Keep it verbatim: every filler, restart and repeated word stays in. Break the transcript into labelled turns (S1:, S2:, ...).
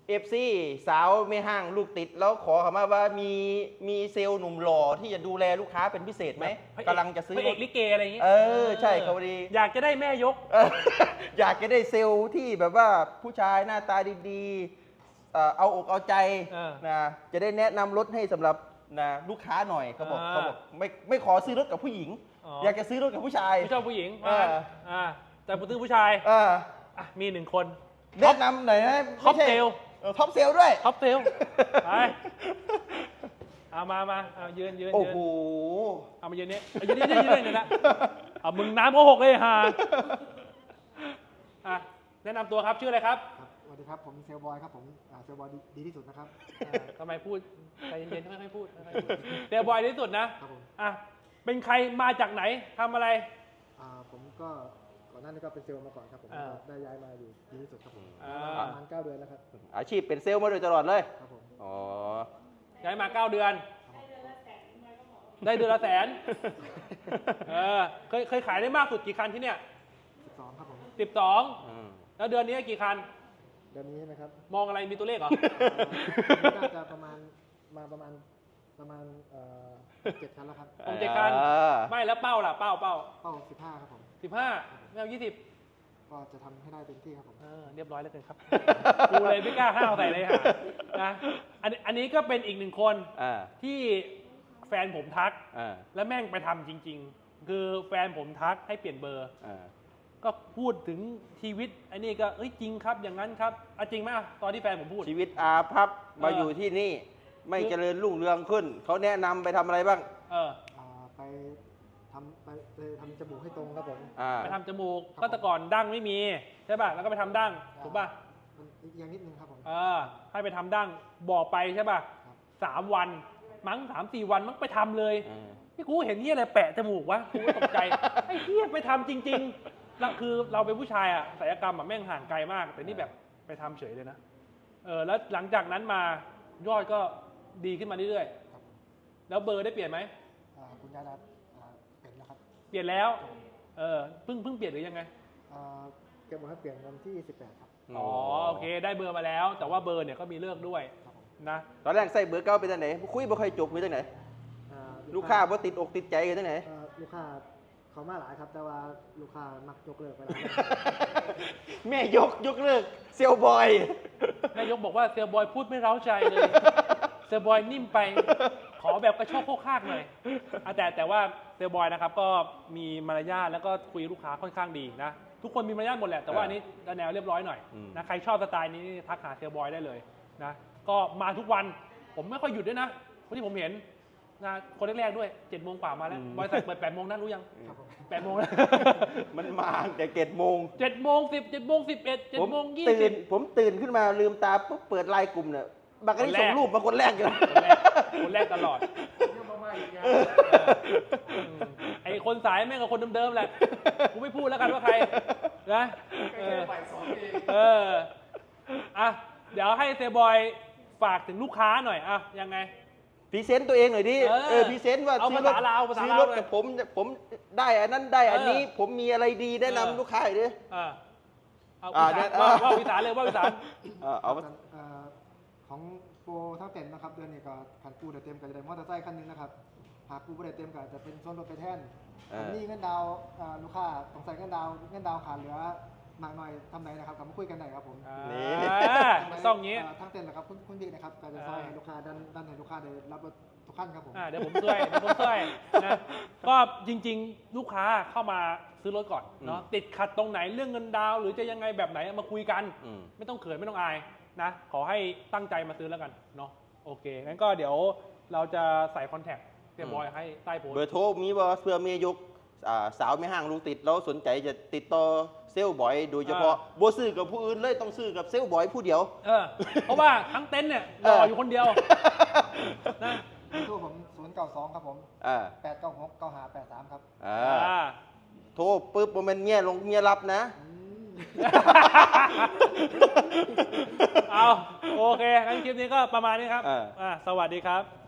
S1: เอฟซีสาวไม่ห้างลูกติดแล้วขอคำว่าว่ามีมีเซลล์หนุ่มหล่อที่จะดูแลลูกค้าเป็นพิเศษไหมกำลังจะซื้อ
S2: พระเอกลิเกอะไรอย่างงี้
S1: เออใช่เขาพอดี
S2: อยากจะได้แม่ยก
S1: เอออยากจะได้เซลล์ที่แบบว่าผู้ชายหน้าตาดีๆเอ่อเอาอกเอาใจ
S2: เออ
S1: นะจะได้แนะนำรถให้สำหรับนะลูกค้าหน่อยเขาบอก
S2: อ่า
S1: เขาบอกไม่ไม่ขอซื้อรถกับผู้หญิง
S2: อ๋อ
S1: อ
S2: อ
S1: ยากจะซื้อรถกับผู้ชาย
S2: ไม่ชอบผู้หญิง
S1: เออ
S2: อ่าแต่ผู้ตื้อผู้ชาย
S1: เออ
S2: อ่ะมีหนึ่งคน
S1: แนะนำหน่อยนะ
S2: ท็อป
S1: ไม่ใช่
S2: เซลล์
S1: ออท็อปเซลล์ด้วย
S2: ท็อปเซลไปเอามามาเอายืนยืน
S1: โอ้
S2: ยืน
S1: โห
S2: เอามายืนนี้เอายืนนี่ยืนนี่เนี่ยนะเอามึงน้ำโกหกเลยฮะอ่ะแนะนำตัวครับชื่ออะไรครับ
S3: ครับสวัสดีครับ ผมเซลบอยครับผมอ่าเซลบอยดีดีที่สุดนะครับ
S2: อ่าทำไมพูดใจเย็นๆค่อยๆพูดค่อยๆพูดเตียบอยที่สุดนะครับ
S3: ผม
S2: อ่ะเป็นใครมาจากไหนทำอะไร
S3: อ่าผมก็ก่อนหน้านี้ก็เป็นเซลล์มาก่อนครับผม
S2: อ่า
S3: ได้ย้ายมาอยู่ดีที่สุดครับผม
S2: อ่า
S3: ประมาณเก้าเดือนแล้วครับ
S1: อาชีพเป็นเซลล์มาโดยตลอดเลย
S3: ครับผม
S1: อ๋อ
S2: ย้ายมาเก้าเดือน ได้เดือนละแสนเออเคยเคยขายได้มากสุดกี่คันที่เนี่ย
S3: สิบสองครับผม
S2: สิบสอง
S1: อืม
S2: แล้วเดือนนี้กี่คัน
S3: เดือนนี้ใช่ไหมครับ
S2: มองอะไรมีตัวเลขเหรอ
S3: อ่าน่าจะประมาณมาประมาณประมาณเอ่อเจ็ดคันแล้วครับ
S2: ผมเจ็ดคัน
S1: อ่า
S2: ไม่แล้วเป้าล่ะเป้าเป้า
S3: เป้าสิบห้าครับผม
S2: สิบห้าไม่เอายี่สิบ
S3: ก็จะทำให้ได้เต็มที่ครับผม
S2: เออเรียบร้อยแล้วเกินครับ กูเลยไม่กล้าห้าวใส่เลยฮะนะอันนี้อันนี้ก็เป็นอีกหนึ่งคน
S1: อ่า
S2: ที่แฟนผมทัก
S1: อ่า
S2: แล้วแม่งไปทำจริง ๆ คือแฟนผมทักให้เปลี่ยนเบอร์
S1: อ่า
S2: ก็พูดถึงชีวิตไอ้นี่ก็เอ้ยจริงครับอย่างนั้นครับอะจริงไหมอะตอนที่แฟนผมพูด
S1: ชีวิตอาพับมา
S2: เออ
S1: อยู่ที่นี่ ไม่
S2: คือ
S1: เจริญรุ่งเรืองขึ้น เขาแนะนำไปทำอะไรบ้าง
S2: เออ
S3: อ่าไปทำไปไปทำจมูกให้ตรงครับผม
S1: อ่า
S2: ไปทำจมูก
S3: ครับ
S2: ก็แต่ก่อนดั้งไม่มีใช่ป่ะแล้วก็ไปทำดั้งถูกป่ะ
S3: มันอีกอย่างนิดนึงครับผม
S2: เออให้ไปทำดั้งบอกไปใช่ป่ะ
S3: ครับ
S2: สามวันมั้งสามสี่วันมั้งไปทำเลย
S1: อืม
S2: นี่กูเห็นเฮียอะไรแปะจมูกวะกูก็ตกใจ ไอ้เฮียไปทำจริงๆแล้วคือเราเป็นผู้ชายอะศัลยกรรมอะแม่งห่างไกลมาก แต่นี่แบบไปทำเฉยเลยนะเออแล้วหลังจากนั้นมายอดก็ดีขึ้นมาเรื่อย
S3: ครับ
S2: ๆแล้วเบอร์ได้เปลี่ยนไหม
S3: อ่าคุณยายรัตน์อ่าเป็นแล้วครับ
S2: เปลี่ยนแล้วเออเพิ่งเพิ่งเปลี่ยนหรือยังไง
S3: อ่าแกบอกให้เปลี่ยนวันที่สิบแปดครับ
S2: อ๋อโอเคได้เบอร์มาแล้ว แต่ว่าเบอร์เนี่ยก็มีเลิกด้วย
S3: ครับผม
S2: นะ
S1: ตอนแรกใส่เบอร์เก้าเป็นจังไหนคุยบ่ค่อยจบมีจังไหน
S3: อ่
S1: ลูกค้าบ่ติดอกติดใจกันจังไหน
S3: เอ่อลูกค้าเขามาหลายครับ แต่ว่าลูกค้ามักยกเลิกไปแล้ว
S1: แม่ยกยกเลิกเซลลบอย
S2: นายกบอกว่าเซลบอยพูดไม่เร้าใจเลย เซลบอยนิ่มไป ขอแบบกระโชกโคกคากหน่อยอ่ะแต่แต่ว่าเซลบอยนะครับก็มีมารยาทแล้วก็คุยลูกค้าค่อนข้างดีนะ ทุกคนมีมารยาทหมดแหละ แต่ว่าอันนี้แนวเรียบร้อยหน่อย
S1: อืม
S2: นะใครชอบสไตล์นี้นี่ทักหาเซลบอยได้เลยนะ ก็มาทุกวัน ผมไม่ค่อยหยุดด้วยนะวันที่ผมเห็นนะคนแรกๆด้วยเจ็ดโมงกว่ามาแล้ว บริษัทเปิดแปดโมงนะรู้ยัง
S3: ครับผม
S2: แปดโมงแล้ว
S1: มันมาแต่เจ็ดโมง
S2: เจ็ดโมงสิบเจ็ดโมงสิบเอ็ดเจ็ด
S1: ผม
S2: โมงยี่
S1: ตื่
S2: สิ
S1: น
S2: บ
S1: ผมตื่นขึ้นมาลืมตาปุ๊บเปิดไลน์กลุ่มเนี่ยบักกะนี่
S2: คนแรก
S1: ส่งรูปมาคนแรกอยู่
S2: คนแรกคนแรกตลอด ไอคนสายแม่งกับคนเดิมๆแหละกูไม่พูดแล้วกันว่าใครนะเออเอออ่ะเดี๋ยวให้เซบอยฝากถึงลูกค้าหน่อยอ่ะยังไง
S1: พรีเซนต์ตัวเองหน่อยดิ
S2: เออ
S1: เออพรีเซนต์ว่า
S2: เอา
S1: ซื้อรถ
S2: ภาษาลาวภาษา
S1: ซื้อ
S2: ลาว
S1: รถ
S2: เลย
S1: กับผมผมได้อันนั้นได้อันนี้
S2: เออ
S1: ผมมีอะไรดีแนะนำ
S2: เออ
S1: ลูกค้าหน่อยดิ
S2: อ่ะเอา
S1: อ่า
S2: วิ
S1: เนี่
S2: สาย นว่า
S1: เออ
S2: ว่าวิสานเลยว่าวิสาน
S1: เออเอา
S3: เอ่อของโปรทั้งเต็มนะครับเดือนนี้ก็ขันปูได้เต็มก็จะได้มอเตอร์ไซค์คันหนึงนะครับหากปูไม่ได้เต็มก็จะเป็นส่วนลดไปแทน
S1: เออ
S3: อันนี้เงินดาวน์อ่าลูกค้าต้องใส่เงินดาวน์เงินดาวน์ขาดเหลือมากหน่อยทำไหนนะครับกลับมาคุยกันหน่อยครับผม
S2: อ่า
S1: นี่
S2: ต้องอย่างงี้
S3: าทั้งเต็มนะครับคุณคุณบิ๊กนะครับก็จะซอยให้ลูกค้าดันดันให้ลูกค้าได้รับรถทุกขั้นครับผม
S2: อ่าเดี๋ยวผมช่วยเดี๋ยวผมช่วยนะก็จริงๆ ลูกค้าเข้ามาซื้อรถก่อนเนาะ
S1: อืม
S2: ติดขัดตรงไหนเรื่องเงินดาวน์หรือจะยังไงแบบไหนมาคุยกัน
S1: อืม
S2: ไม่ต้องเขินไม่ต้องอายนะ ขอให้ตั้งใจมาซื้อแล้วกันเนาะโอเคงั้นก็เดี๋ยวเราจะใส่คอนแทคเรียบบอยให้ใต้โพสต์
S1: เบอร์โทรมีบ่เพื่อเมียยกอ่าสาวไม่ห้างลูกติดแล้วสนใจจะติดต่อเซลล์บอย โดยเฉพาะบ่ซื้อกับผู้อื่นเลยต้องซื้อกับเซลล์บอยผู้เดียว
S2: เออเพราะว่าทั้งเต็นท์เนี่ยรออยู่คนเดียวนะ
S3: โทรผมศูนย์เก้าสองครับผม
S1: อ่า
S3: แปดเก้าหกเก้าห้าแปดสามครับ
S1: อ่า
S2: อ่า
S1: โทรปุ๊บบ่แม่นเมียลงเมียรับนะ
S3: อืม
S2: เอาโอเคงั้นคลิปนี้ก็ประมาณนี้ครับ
S1: เออ
S2: อ่าสวัสดีครับ